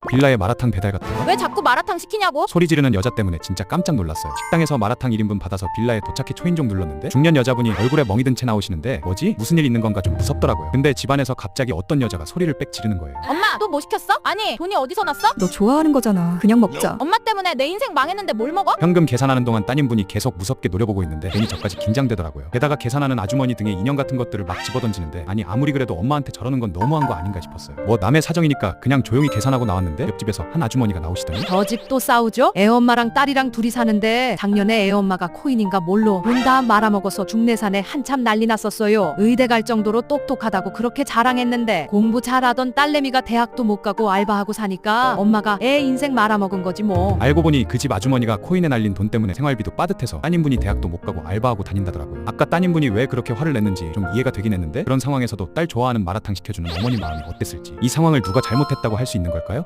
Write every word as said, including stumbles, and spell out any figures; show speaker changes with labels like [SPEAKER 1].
[SPEAKER 1] 빌라에 마라탕 배달 갔다가
[SPEAKER 2] 왜 자꾸 마라탕 시키냐고?
[SPEAKER 1] 소리 지르는 여자 때문에 진짜 깜짝 놀랐어요. 식당에서 마라탕 일 인분 받아서 빌라에 도착해 초인종 눌렀는데 중년 여자분이 얼굴에 멍이 든 채 나오시는데 뭐지? 무슨 일 있는 건가 좀 무섭더라고요. 근데 집안에서 갑자기 어떤 여자가 소리를 빽 지르는 거예요.
[SPEAKER 2] 엄마 또 뭐 시켰어? 아니 돈이 어디서 났어?
[SPEAKER 3] 너 좋아하는 거잖아. 그냥 먹자.
[SPEAKER 2] 엄마 때문에 내 인생 망했는데 뭘 먹어?
[SPEAKER 1] 현금 계산하는 동안 따님분이 계속 무섭게 노려보고 있는데 괜히 저까지 긴장되더라고요. 게다가 계산하는 아주머니 등에 인형 같은 것들을 막 집어던지는데 아니 아무리 그래도 엄마한테 저러는 건 너무한 거 아닌가 싶었어요. 뭐 남의 사정이니까 그냥 조용히 계산하고 나왔는데 옆집에서 한 아주머니가 나오시더니
[SPEAKER 4] 저 집 또 싸우죠? 애엄마랑 딸이랑 둘이 사는데 작년에 애엄마가 코인인가 뭘로 돈 다 말아먹어서 중내산에 한참 난리 났었어요. 의대 갈 정도로 똑똑하다고 그렇게 자랑했는데 공부 잘하던 딸내미가 대학도 못 가고 알바하고 사니까 엄마가 애 인생 말아먹은 거지 뭐.
[SPEAKER 1] 알고 보니 그 집 아주머니가 코인에 날린 돈 때문에 생활비도 빠듯해서 따님분이 대학도 못 가고 알바하고 다닌다더라고요. 아까 따님분이 왜 그렇게 화를 냈는지 좀 이해가 되긴 했는데 그런 상황에서도 딸 좋아하는 마라탕 시켜주는 어머니 마음이 어땠을지 이 상황을 누가 잘못했다고 할 수 있는 걸까요?